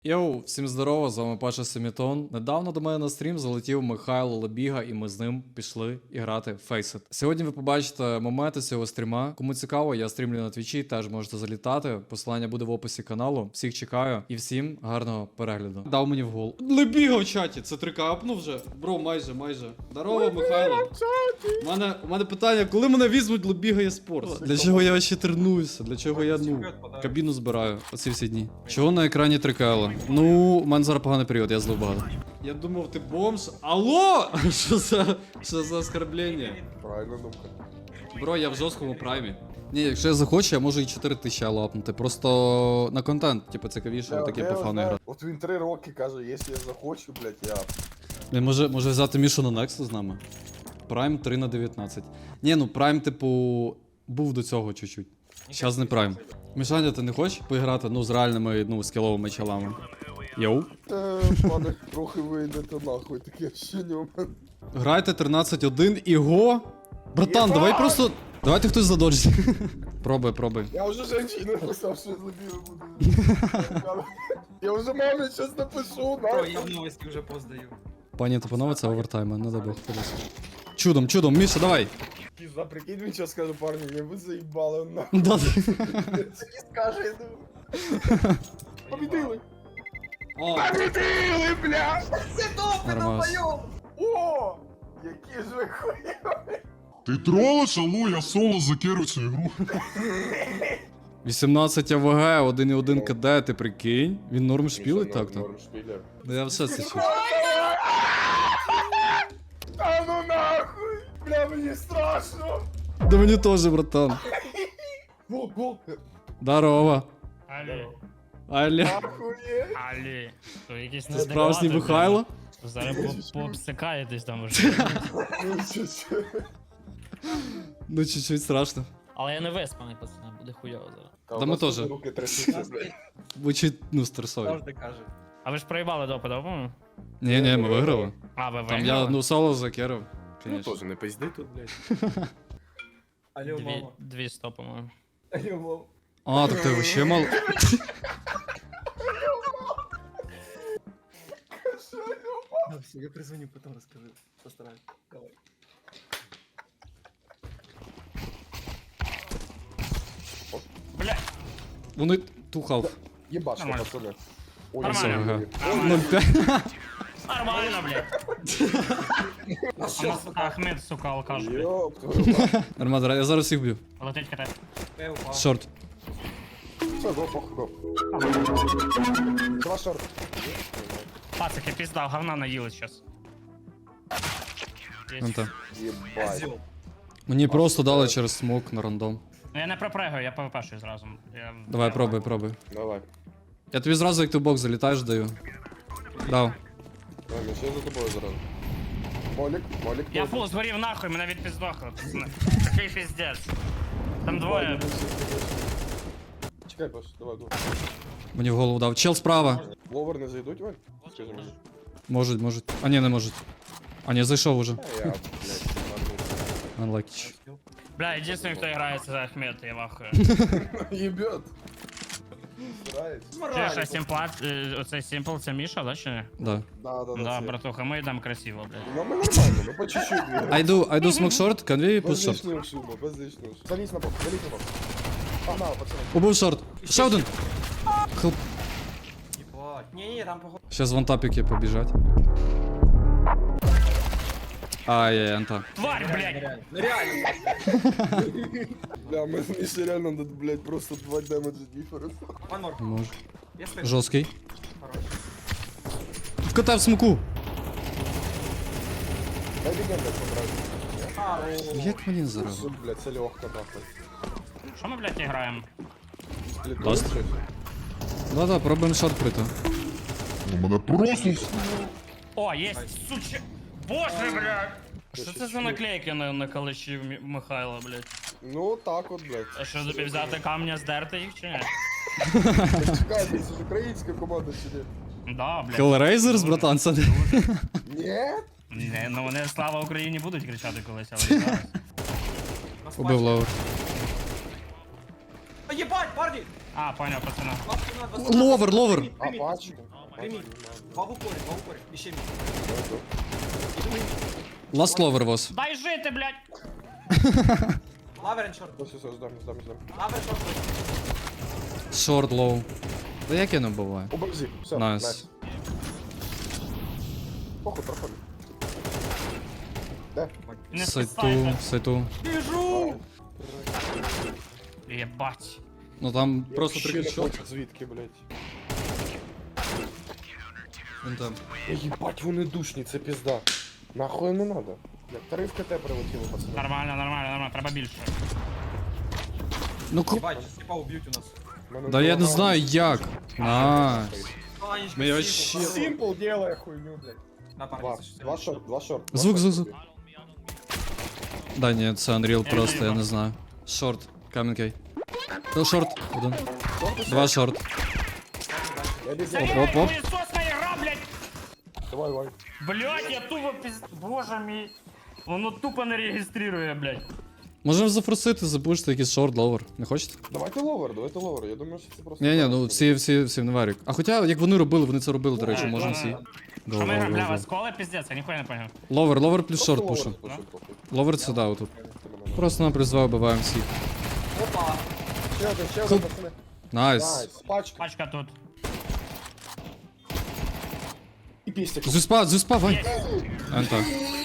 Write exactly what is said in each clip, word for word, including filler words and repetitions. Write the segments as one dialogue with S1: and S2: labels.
S1: Йоу, всім здорово, з вами Паша Семітон. Недавно до мене на стрім залетів Михайло Лебіга, і ми з ним пішли і грати в Faceit. Сьогодні ви побачите моменти цього стріма. Кому цікаво, я стрімлю на твічі, теж можете залітати. Посилання буде в описі каналу. Всіх чекаю і всім гарного перегляду. Дав мені в гол. Лебіга в чаті, це трикапнув вже. Бро, майже, майже. Здорово, Михайло. У мене, у мене питання, коли мене візьмуть Лебіга eSports? Для чого я ще тренуюся? Для чого я, ну, кабіну збираю оці всі дні? Чого на екрані трикала? Ну, у мене зараз поганий період, я злив багато. Я думав, ти бомж. Алло! Що за, що за оскорблення?
S2: Правильна думка.
S1: Бро, я в жорсткому праймі. Ні, якщо я захочу, я можу і чотири тисячі лапнути. Просто на контент, типу, цікавіше,
S2: Я-
S1: таке
S2: я
S1: по фану
S2: знаю.
S1: грати.
S2: От він три роки каже, якщо я захочу, блядь, я...
S1: Він може, може взяти Мішу на Nexus з нами? Прайм три на дев'ятнадцять. Ні, ну прайм, типу, був до цього чуть-чуть. Щас не прайм. Мішаня, ти не хочеш поіграти, ну, з реальними, ну, скіловими чалами? Йоу.
S2: Та, пане, трохи вийдете нахуй, таке ощущення у мене.
S1: Грайте тринадцять один і го. Братан,
S2: Єба!
S1: давай просто. Давайте хтось задоджить. Пробуй, пробуй.
S2: Я вже женщину написав, що забіли буду. Я вже мамі щось напишу,
S3: Бро,
S2: нахуй.
S3: я в новості вже поздаю.
S1: Пані та панове, це овертайм, не дай Бог. подивись. Чудом, чудом, Міша, давай.
S2: Пізда, прикинь, він що скаже, парні, я ви заїбали, нахуй.
S1: Да.
S2: Це не скаже, я думаю. Побідили.
S1: О,
S2: Побідили, бля!
S1: нормально.
S2: О! Які ж ви хуйові!
S4: Ти тролиш, алло, я соло закеру цю ігру.
S1: вісімнадцять АВГ, один і один КД, ти прикинь? Він норм шпілить так-то?
S2: Норм шпілер.
S1: Да я все це чую.
S2: А ну нахуй! Бля, мені страшно!
S1: Да мені теж, братан.
S2: Во, во!
S1: Здорово.
S5: Алі,
S1: Аля.
S2: Ахує!
S5: алі, то якісь
S1: Це справжній
S5: неадеквати,
S1: Михайло?
S5: блін. Зараз по- пообсикаєтесь там вже.
S2: Ну, чуть-чуть.
S1: Ну, чуть-чуть страшно.
S5: Але я не виспаний, пацани, буде хуйово зараз.
S2: Та
S1: Да
S2: у
S1: ми
S2: нас
S1: теж.
S2: тут Руки трясуться, блядь.
S1: Звучить, ну, стресові.
S3: Завжди каже.
S5: А ви ж проїбали допи, да, по-моєму?
S1: Ні, ні, ми виграли.
S5: А, ви
S1: Там
S5: виграли?
S1: я, ну, соло закерив.
S2: Ну,
S1: Конечно.
S2: теж не пизди тут, блядь.
S3: Алло,
S5: Дві,
S3: мама.
S5: дві сто, по-моєму.
S3: Алло, мама.
S1: А, так ти вообще мало.
S3: Да, все, я призвоню, потом расскажу. Постараюсь. Давай.
S5: Бля,
S1: Вони тухав.
S2: Єбаш,
S5: Нормально.
S2: пацани. Ой,
S5: Нормально.
S2: ой, ой.
S1: нуль п'ять.
S5: нормально, блядь. У нас Ахмед, сука, алкаш, блядь.
S2: Ёб твою мать.
S1: Нормально, я зараз їх б'ю.
S5: Летить катає.
S3: Я упал.
S1: Шорт.
S2: Все, го, похуй, го. Два шорт.
S5: Пацики, пізда, говна наїли щас. Є.
S1: Вон там.
S2: Єбать.
S3: Козел.
S1: Мені просто дали через смок на рандом.
S5: Ну я не пропрегаю, я ПВПшую зразу. Я...
S1: Давай, пробуй, пробуй.
S2: Давай.
S1: Я тобі зразу, як ти в бок залітаєш, даю. Дав.
S2: Давай, ми ще за тобою зараз. Молік, молік.
S5: Я
S2: молік.
S5: фул згорів нахуй, мене відпіздохли, пацани. Такий піздець. Там двоє.
S2: Чекай, Паш, давай, давай.
S1: Мені в голову дав. Чел справа.
S2: Ловер не зайдуть, Вань? Скажи мені.
S1: Можуть, можуть. А ні, не можуть. А ні, зайшов уже.
S2: А я, блядь,
S1: Unlucky.
S5: Бля, єдиний, хто грає, це Ахмед, я вахую.
S2: Ебет. Старається.
S5: Чи що, сімплат, е, оцей симпл, це Міша, да, чи не?
S1: Да.
S2: Да, да, да.
S5: Да,
S2: це.
S5: братуха, ми йдемо красиво, блядь.
S2: Ну, ми нормально, ми по чуть-чуть.
S1: I do, I do smoke short, can we push
S2: Без
S1: short?
S2: лишнього шуму, без лишнього шуму. Залізь на бок, залізь на бок. Погнали, пацани.
S1: Убив шорт. Ще один. Хелп.
S3: Ебать. Не-не, там походу.
S1: Сейчас вон тапики побіжать. Ай-яй, анта.
S5: Тварь, блядь!
S3: Нереально. Нереально.
S2: Бля, ми ще реально, надо, блядь, просто два демеджа діференс.
S3: One more.
S1: Може.
S3: Я слышу.
S1: Жорсткий.
S3: Хорош.
S1: Вкатав смоку.
S2: Дай бігем, блядь, поправити.
S3: А, о.
S1: Як мені зараз?
S2: Суд, блядь, це легко, нахуй.
S5: Що ми, блядь, граємо?
S1: Ласт. Да-да, пробуємо шорт прийти.
S4: У мене просто
S5: О, єсть, суче... Боже, блядь! Що це за наклейки на, на калаші Мі- Михайла, блядь?
S2: Ну, так от, блядь.
S5: А що, тобі взяти камня, здерти їх, чи ні?
S2: Чекай, це ж українська команда чи ні?
S5: Да, блядь.
S1: Hellraisers, братан, це не...
S2: Ні?
S5: Не, ну вони слава Україні будуть кричати колись, але не зараз.
S3: Нас
S1: Убив
S3: бачить.
S1: ловер.
S3: А, ебать, парни!
S5: А, поняв, пацана.
S3: двадцать на двадцать.
S1: Ловер, ловер.
S2: А, бачу.
S3: Прийміть. Два в упорі, два в упорі. І ще мій.
S1: Last lover was.
S5: Дай жити, блядь!
S3: Лаверен чорт.
S2: Все, все, ждем, ждем, ждем.
S3: Лаверен чорт.
S1: Short low. Та як я не буває?
S2: Оборзи. Все,
S1: Найс.
S2: найс. Похуй, проходи. Де?
S5: Не
S1: Сайту,
S5: спасайте.
S1: сайту.
S5: Біжу! Єбать.
S1: Ну там просто
S2: Вообще
S1: три
S2: не
S1: хедшоти.
S2: хочу звідки, блядь.
S1: Він там.
S2: Ебать, вони душні, це пізда. Нахуй не надо. Як три в КТ прилетіло, пацани.
S5: Нормально, нормально, нормально, треба більше.
S1: Ну ку...
S3: Єбать, сліпа уб'ють у нас.
S2: Мене
S1: Да я не
S2: голова
S1: знаю
S2: болить.
S1: як. Найс.
S3: Анечка,
S1: Ми
S3: сімпл,
S1: вообще-
S3: хорош.
S2: Симпл делає хуйню, блядь.
S3: На
S2: Два,
S3: парні, це
S2: два шорт, два шорт.
S1: Звук, звук, звук. Да ні, це Unreal
S5: Я
S1: просто, я
S5: доїбав.
S1: не знаю. Шорт, камінкей. Ну, шорт, один. Два шорт.
S2: Я біжу.
S5: Це
S1: оп, оп.
S5: хуєсосна ігра, блядь!
S2: Давай, давай.
S5: Блядь, я тупо піз... Боже мій. Воно тупо не реєструє, блядь.
S1: Можемо зафорсити, запушити якийсь шорт, ловер. Не хочете?
S2: Давайте ловер, давайте ловер. Я думаю, що це просто...
S1: Ні, ні, ну всі, всі, всі в варік. А хоча, як вони робили, вони це робили, до речі,
S5: Да,
S1: можна
S5: да,
S1: всі.
S5: да. Що ми граємо? Бля, вас коли піздець, я ніхуя не поняв.
S1: Ловер, ловер плюс
S2: Просто
S1: шорт
S2: ловер
S1: пушим.
S2: запушим, похуй.
S1: Ловер це да, отут.
S2: Ти мене
S1: Просто на призвав вбиваємо всіх.
S3: Опа.
S2: не- Ще один, ще один, пацани.
S1: Найс.
S2: Найс, пачка.
S5: Пачка тут.
S2: І пістик.
S1: Зюспа, зюспа, Вань. Ента.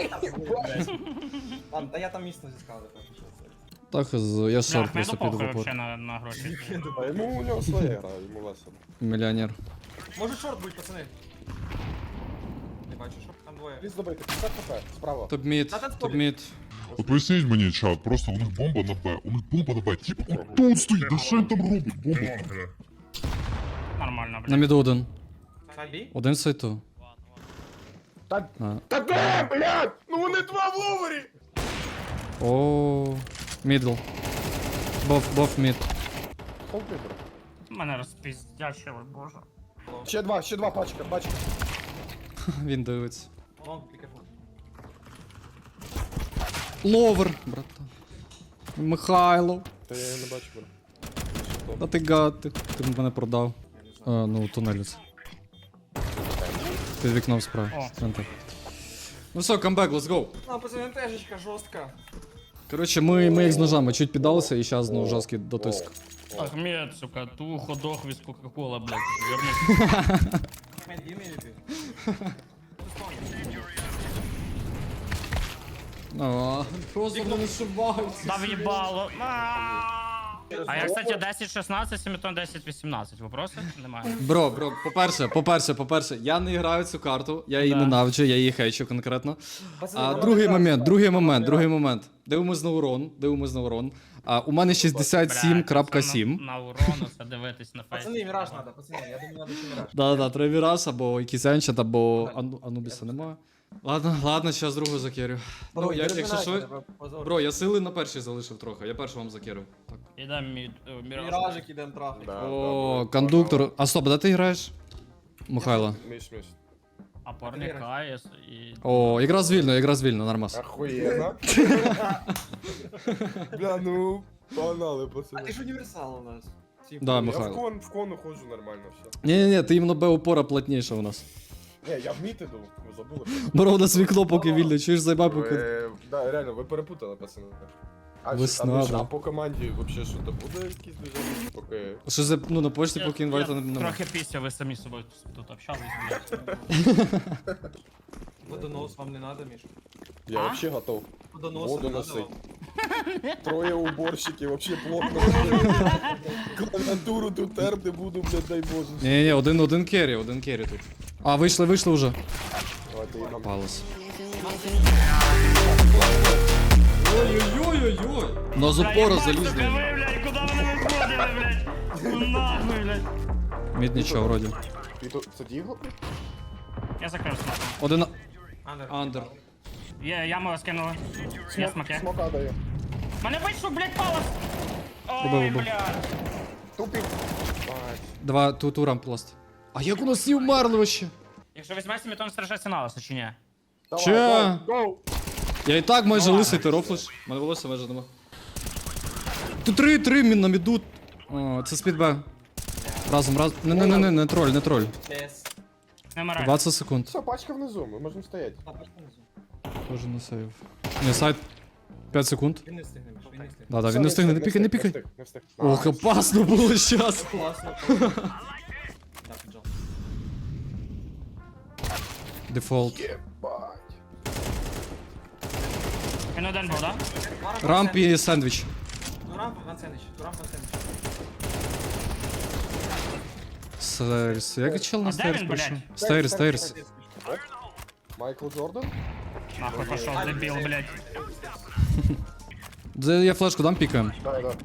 S3: Ладно, та я там міцно зіскав.
S1: Так, з- я шорт
S5: Бля,
S1: просто
S5: Ахмеду
S1: піду в
S5: похуй
S1: упор.
S5: вообще на, на гроші.
S2: А йому у нього своя гра, йому весело.
S1: Мільйонер.
S3: Може шорт будь, пацани. Не бачу, що там двоє.
S2: Пліз добити, п'ятдесят хп, справа.
S1: Топ мід,
S3: Та там
S1: топ мід.
S4: От поясніть мені, чат, просто у них бомба на Б, у них бомба на Б. Типа, от тут стоїть, да що він там робить? Бомба.
S5: Нормально,
S1: На
S5: блядь.
S1: міду один.
S3: Сайбі?
S1: Один сайту.
S2: Та,
S1: А.
S2: та де, блядь? Ну вони два в ловері!
S1: О, мідл. Бов, бов мід.
S2: Холд вибір.
S5: Мене розпіздячили, боже.
S2: Ще два, ще два пачка, пачка.
S1: Він дивиться.
S3: Лонг, пікафу.
S1: Ловер, братан. Михайло.
S2: Та я її не бачу, бро.
S1: Та ти гад, ти, ти мене продав. А, ну, тунель це. Під вікном справа.
S5: О.
S1: Центр. Ну все, камбек, let's go.
S3: А, пацани, тежечка жорстка.
S1: Коротше, ми, ми їх з ножами чуть піддалися і зараз знову жорсткий дотиск.
S5: Ахмед, сука, ту ходох від Кока-Кола, блядь. Вернись.
S3: Мен, give me a
S1: А, просто вони шибаються.
S5: Дав їбало. А я, кстати, десять шістнадцять, Семітон десять вісімнадцять. Вопроси? Немає.
S1: Бро, бро, по-перше, по-перше, по-перше, я не граю цю карту, я її
S5: Да.
S1: ненавиджу, я її хейчу конкретно.
S3: Пацани,
S1: А
S3: вона
S1: другий
S3: прекрасна.
S1: момент, другий
S3: Вона
S1: момент, другий
S3: прекрасна.
S1: момент. Дивимось на урон, дивимось на урон. А у мене шістдесят сім крапка сім.
S5: На, на урону це дивитись на фейс.
S3: Пацани, міраж надо, пацани, я думаю, надо ще міраж.
S1: Да-да, треба Віраж або якийсь Енчет, або Ану- Анубіса немає. Ладно, ладно, зараз другу закерю. Ну, я, якщо що... Бро, я сили на першій залишив трохи, я перший вам закерив. Так.
S5: Іде мід, е, міраж.
S3: Міражик ідем трахати.
S2: Да,
S1: О,
S2: да,
S1: кондуктор. А стоп, де ти граєш? Михайло.
S2: Міш, міш.
S5: Опорник АЕС і...
S1: О, якраз вільно, якраз вільно, нормас.
S2: Охуєнно. Бля, ну, погнали,
S3: А
S2: пацани.
S3: ти ж універсал у нас. Ці-
S1: Да,
S2: Я в
S1: Михайло.
S2: кон, в кону ходжу нормально все.
S1: Ні-ні-ні, ти іменно Б упора плотніше у нас.
S2: Ні, я в міт іду, ви забули.
S1: Бро, у нас вікно поки вільне, чуєш, зайбай поки.
S2: Ви, да, реально, ви перепутали, пацани. А,
S1: Весна,
S2: а, ви ж-
S1: да.
S2: а по команді вообще що то буде якісь движення? Поки...
S1: Що за, ну на почті
S5: Я-
S1: поки
S5: я
S1: інвайта не немає.
S5: Трохи після, ви самі з собою тут общались, блядь.
S3: Водонос вам не надо, Міш?
S2: Я
S5: А?
S2: вообще готов.
S3: Водонос
S2: Воду
S3: не надо
S2: носить.
S3: вам?
S2: Троє уборщиків, вообще плотно. Клавіатуру тут терти буду, блядь, дай боже.
S1: Ні-ні, один, один керрі, один керрі тут. А, вийшли, вийшли вже.
S2: Давайте їдемо.
S1: Палос. Ой-ой-ой-ой-ой. На запора
S5: Сука,
S1: залізли.
S5: ви, блядь, куди вони виходили, блядь? Ну нахуй, блядь.
S1: Мід нічого вроді.
S2: Ти то, це дігло?
S5: Я закрив смак.
S1: Один
S3: Андер.
S1: андер.
S5: Є, яму скинули. Є смаки.
S2: Смока дає.
S5: Мене вийшов, блядь, палос!
S1: Убив,
S5: Ой,
S1: убив.
S5: блядь.
S2: Тупик. Бать.
S1: Два ту турам пласт. А як у нас всі вмерли вообще?
S5: Якщо візьме Семітон, страшаться на вас, чи ні?
S2: Давай,
S1: Че?
S2: go, go.
S1: Я і так майже
S5: Ну,
S1: лисий, ти рофлиш. Мене волосся майже нема. Тут три, три мін на міду. О, це спід Б. Разом, разом. Не, не, не, не, не троль, не троль.
S3: Чес.
S5: Не мораль.
S1: двадцять секунд.
S2: Все, пачка внизу, ми можемо стояти.
S3: А, пачка внизу.
S1: Тоже на сейв. Не, сайт. п'ять секунд.
S3: Він не встигне, Міш, він не встигне.
S1: Да, да,
S2: Все,
S1: він не встигне, не
S2: встиг,
S1: пікай, не
S2: встиг,
S1: пікай.
S2: встиг, не встиг.
S1: Ох, опасно було щас.
S3: Класно. Так, Джон.
S1: Дефолт.
S2: Єбать.
S5: Він один був, да?
S1: Рамп і сендвіч.
S3: Ну, рамп, Ван Сендвіч. Ну, рамп, Ван Сендвіч.
S1: Стейрс. Як чел на
S5: А де
S1: стейрс
S5: він,
S1: прийшов?
S5: блядь?
S1: Стейрс, стейрс.
S2: Майкл Джордан?
S5: Нахуй пошов, дебіл, блядь.
S1: Де я флешку дам, пікаємо.
S2: Да, да.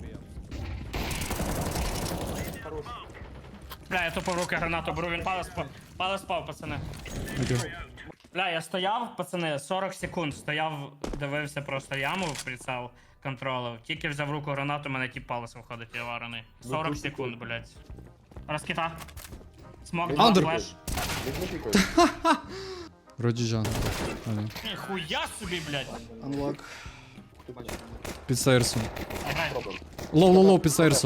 S5: Бля, я тупо в руки гранату беру, він палець спав, палець спав, пацани.
S1: Окей.
S5: Бля, я стояв, пацани, сорок секунд стояв, дивився просто яму в прицел, контролив. Тільки взяв в руку гранату, мене тіп палець виходить, я варений. сорок секунд, блядь. Розкита. Смок, два,
S1: Андер.
S5: флеш.
S2: Він не пікає.
S1: Вроді Жан.
S5: Ніхуя собі, блядь.
S1: Unlock. Під стейрсом.
S5: Грай.
S2: Пробуємо.
S1: Лоу, лоу, лоу, під стейрсом.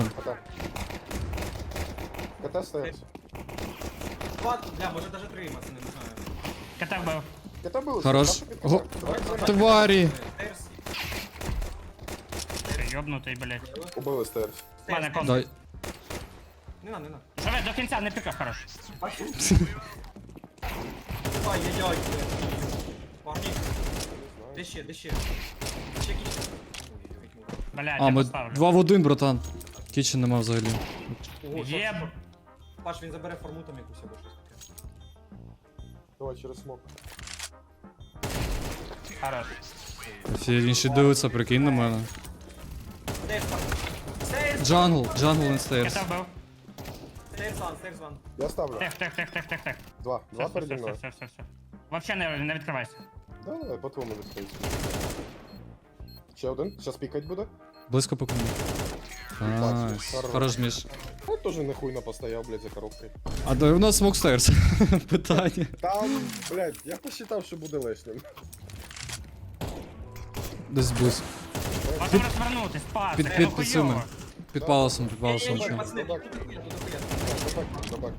S2: КТ. КТ стоїть.
S3: Два, бля, може даже три, пацани, не знаю.
S5: КТ вбив.
S2: КТ було.
S1: Хорош.
S2: Ставте під
S1: Го-
S2: КТ. Давай, давай.
S1: Тварі.
S3: Стейрс.
S5: Ти йобнутий, блядь.
S2: Убили стейрс.
S5: Мене кон.
S1: Дай.
S3: Не на, не на.
S5: Живе до кінця, не пікав, хорош.
S3: Ай-яй-яй. Парні. Де ще, де ще? Ще кіч.
S5: Блядь,
S1: А,
S5: я
S1: ми
S5: поставлю.
S1: два в один, братан. Кічен нема взагалі.
S5: Єб.
S3: Паш, він забере форму там якусь або щось таке.
S2: Давай через смок.
S5: Хорош.
S1: Всі інші дивляться, прикинь на мене.
S3: Стейрс, Паш. Стейрс!
S1: Джангл, джангл and stairs.
S5: КТ вбив.
S3: Стейрс ван, стейрс ван.
S2: Я ставлю.
S5: Тих, тих, тих, тих, тих, тих.
S2: Два. Два
S5: Все,
S2: переді
S5: все,
S2: мною.
S5: все, все, все. Вообще не, не відкривайся.
S2: Да, да, по твоєму відстоїть. Ще один. Щас пікать буде.
S1: Близько по кому. Найс.
S2: Хорош.
S1: Хорош, Міш.
S2: Ну, теж нехуйно постояв, блядь, за коробкою.
S1: А де у нас смок стейрс? Питання.
S2: Там, блядь, я посчитав, що буде лишнім.
S1: Десь близько.
S5: Можемо розвернутись, пас,
S1: Під,
S5: це
S1: під,
S5: хуйово.
S1: під цими. Під паласом, під паласом.
S3: Ей,
S1: чим.
S3: пацани,
S2: Добак.
S3: тут дохуя, тут дохуя.
S2: Добак, добак.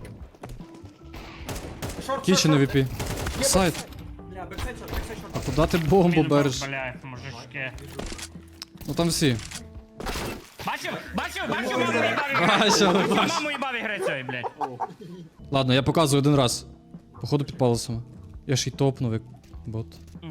S3: Шорт,
S1: Кічен
S3: шорт,
S1: ві пі. Сайт.
S3: Бля, бексайд шорт, бексайд
S1: А
S3: шорт.
S1: куди ти бомбу
S5: Мінус,
S1: береш?
S5: блядь, мужички.
S1: Ну там всі.
S5: Бачив? Бачив? Бачив? Маму їбав ігри.
S1: Бачив,
S5: Бачив,
S1: бачив.
S5: маму їбав ігри цієї, блядь.
S1: Ладно, я показую один раз. Походу під паласом. Я ж й топнув як бот.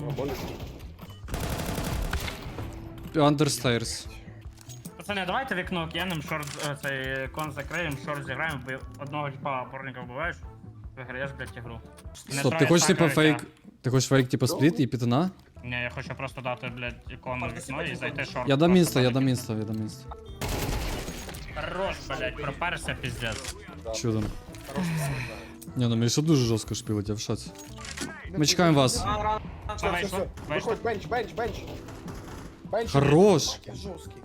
S1: Under stairs.
S5: Пацани, давайте вікно кинем, шорт, е, цей кон закриємо, шорт зіграємо, бо одного типа опорника вбиваєш, виграєш, блядь, ігру. Не
S1: Стоп, ти
S5: троє
S1: хочеш типа
S5: стакається.
S1: фейк. Ти хочеш фейк типа спліт і пітана?
S5: Ні, я хочу просто дати, блядь, ікону в вікно і зайти шорт.
S1: Я дам
S5: просто
S1: інста, я
S5: дати
S1: дам
S5: кіно.
S1: інста, я дам інста.
S5: Хорош, блядь, проперся, піздець.
S1: Чудом. Ні, ну Міша дуже жорстко шпілить, я в шоці. Ми чекаємо вас.
S3: Ран, ран, ран.
S2: Все, все,
S5: Вийшло,
S2: все.
S5: вийшло.
S2: Виходь, бенч, бенч, бенч. Бенч.
S1: Хорош!
S2: Жорсткий.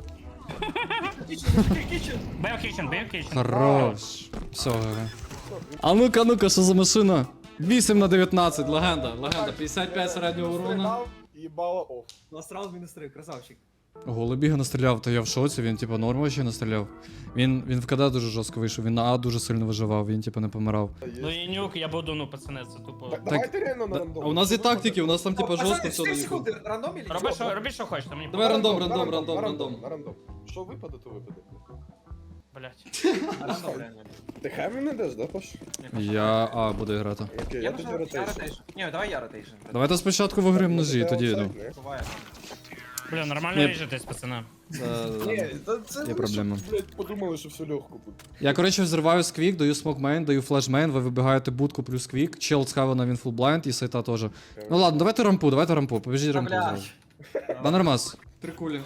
S3: Кічен, кічен.
S5: Бив кічен, бив кічен.
S1: Хорош. Все, гра. А ну-ка, ну-ка, що за машина? вісім на дев'ятнадцять, легенда, легенда, п'ятдесят п'ять середнього урона.
S2: Стріляв, їбало оф.
S3: У нас раунд мінус три, красавчик.
S1: Голубіга настріляв, то я в шоці, він типа норм ще настріляв. Він, він в КД дуже жорстко вийшов, він на А дуже сильно виживав, він типа не помирав.
S5: Ну і нюк, я буду, ну, пацани, це тупо.
S2: Так, давайте реально на
S1: Да-
S2: рандом.
S1: А у нас і тактики, у нас там типа жорстко все
S3: чотири
S1: на
S3: секунди, рандом или
S5: Роби, що, робіть, що хочете, мені
S1: Давай
S5: похуй.
S1: рандом, рандом,
S2: на
S1: рандом,
S2: на
S1: рандом.
S2: На рандом. Що випаде, то випаде.
S5: Блядь.
S3: Рандом, реально.
S2: Ти хеві не даш, да, Паш?
S1: Я А буду грати.
S2: Окей,
S3: Я
S2: я тоді
S3: нажав, я
S2: ротейшн.
S3: ротейшн. Ні, давай я ротейшн.
S1: Давайте спочатку виграємо ножі, тоді йду.
S3: Буває.
S5: Бля, нормально
S1: Ні.
S5: ріжетесь, пацани.
S2: Ні, та це
S1: Є
S2: ви
S1: проблема.
S2: щоб, блядь, подумали, що все легко буде.
S1: Я, коротше, взриваю сквік, даю смок мейн, даю флеш мейн, ви вибігаєте будку плюс квік, чел з хавана він фул блайнд і сайта теж. Ну ладно, давайте рампу, давайте рампу, побіжіть рампу зразу. Да нормас. Три кулі.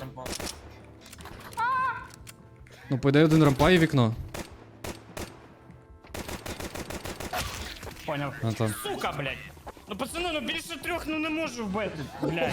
S1: Ну, по ідеї один рампа і вікно.
S5: Поняв.
S1: А там.
S5: Сука, блядь. Ну, пацани, ну більше трьох, ну не можу вбити, блядь.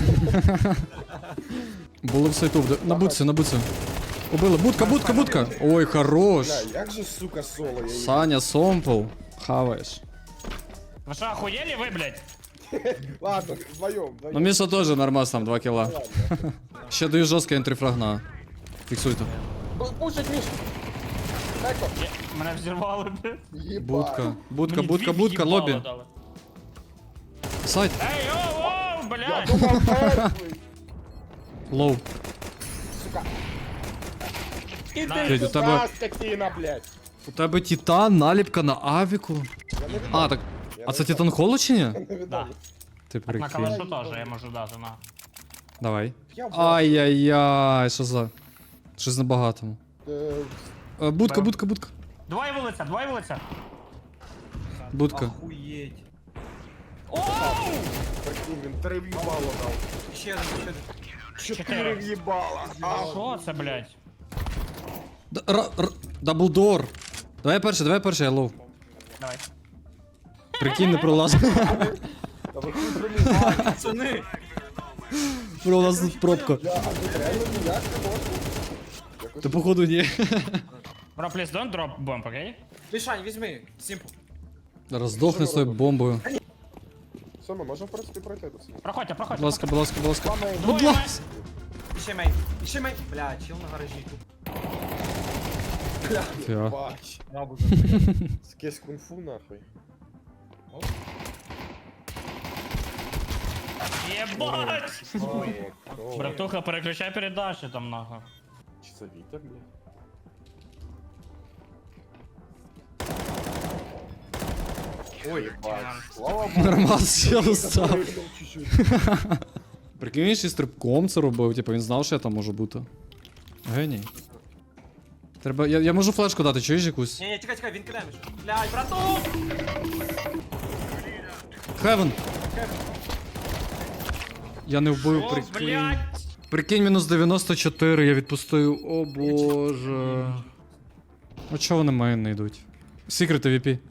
S1: Було в сайту, вда- на бутці, на бутці. Убили, будка, будка, будка. Ой, хорош.
S2: Бля, як же, сука, соло, я її...
S1: Саня, сомпл. Хаваєш.
S5: Ви що, охуєлі ви, блядь?
S2: Ладно, вдвоєм,
S1: Ну,
S2: вдвоєм.
S1: Міша теж нормас там, два кіла.
S2: Ладно.
S1: Ще даю жорсткий ентрифраг на. Фіксуйте.
S2: Б- Пушить, Міш. Еко.
S5: Є- Мене взірвали, блядь.
S2: Єбать.
S1: Будка, будка,
S5: Мені
S1: будка,
S5: дві
S1: будка,
S5: в'їбало
S1: лобі.
S5: дали.
S1: Сайт.
S5: Ей, оу, оу,
S2: Я
S5: блядь.
S2: думав, мертвий.
S1: Лоу.
S2: Сука.
S5: Блядь,
S2: Іди
S1: у
S2: сюди,
S1: тебе-
S2: скотина, блядь.
S1: У тебе Титан, наліпка на авіку.
S2: Я не віддам.
S1: А, так.
S2: Я
S1: А
S2: не
S1: це
S2: віддам.
S1: Титан Холо чи ні?
S2: Я не віддам.
S5: Да.
S1: Ти
S5: На
S1: прикинь.
S5: калашу теж я можу дати, на.
S1: Давай.
S2: Я в-
S1: Ай-яй-яй, що за. Щось на багатому.
S2: Е,
S1: Е, Будка, будка, будка.
S5: Двоє вулиця, двоє вулиця.
S1: Будка.
S3: Охуєть.
S5: Оу!
S2: Прикинь, він три в'їбало дав.
S3: Ще один, ще один.
S2: Чотири
S5: Чотири.
S2: в'їбала. А,
S5: Що це, блядь?
S1: Д- ра- р- Даблдор. Давай перший, давай перший, я лов.
S5: Давай.
S1: Прикинь, не пролазив.
S2: та ви хуй пролізали.
S3: Пацани!
S1: Пролазив пробка.
S2: Я, а тут реально ніяк не можна? Якось
S1: Та походу ні.
S5: Bro, please don't drop bomb, окей?
S3: Мішань, візьми. Сімпл.
S1: Роздохни з тою бомбою.
S2: Все, ми можемо в принципі пройти до цього.
S5: Проходьте, проходьте.
S1: Будь ласка, будь ласка, будь ласка.
S2: Мама,
S1: Будь
S5: Двоє
S1: ласка.
S3: Іще мейн. Іще мейн. Бля, чил на гаражі тут.
S1: Фіа.
S2: бач.
S3: Рабу
S2: Скесь кунг-фу нахуй.
S5: Єбать!
S2: Ой, о,
S5: Братуха, переключай передачу там нахуй.
S2: Чи це вітер, блядь?
S3: Ой,
S2: Бач. Слава Богу.
S1: Нормас ще став.
S2: Пригнув чуть-чуть.
S1: Прикинь, він ще й стрибком це робив, типу він знав, що я там можу бути. Геній. Треба. Я, я можу флешку дати, чуєш якусь?
S3: Ні, ні, чекай, чекай, він кидає мішу. Блядь, брату!
S1: Хевен! Я не вбив,
S5: О,
S1: прикинь.
S5: блядь!
S1: Прикинь, мінус дев'яносто чотири, я відпустив. О боже. А чого вони мейн не йдуть? Секрети ві пі.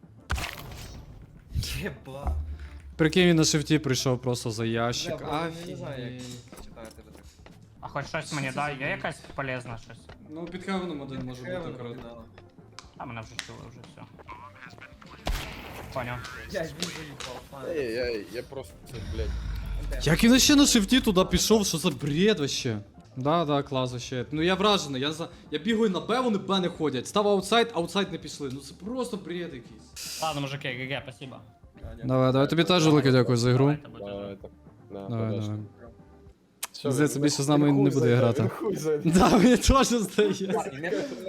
S3: Єба.
S1: Прикинь, він на шифті прийшов просто за ящик.
S3: Не знаю, як читати тебе так.
S5: А хоч щось мені дай, є якась полезна щось?
S1: Ну, під хевеном один може бути акурат.
S5: А мене вже чули, вже все. Поняв.
S3: Я ж він заїхав.
S2: Ей, ей, я просто, це, блядь.
S1: Як він ще на шифті туди пішов, що за бред вообще? Да, да, клас вообще. Ну я вражений, я за. Я бігаю на Б, вони Б не ходять. Став аутсайд, аутсайд не пішли. Ну це просто бред якийсь.
S5: Ладно, мужики, ГГ, спасибо.
S1: Давай, давай, тобі теж велике дякую за ігру.
S5: Давайте, будьте
S2: Давай,
S5: здорові.
S2: так. Да,
S1: Давай,
S2: подожди.
S1: давай.
S2: Все,
S1: Здається,
S2: він-
S1: більше з
S2: він
S1: нами
S2: хуй
S1: не буде
S2: зайде,
S1: грати.
S2: він хуй зайде.
S1: Да, мені теж здається.
S3: І не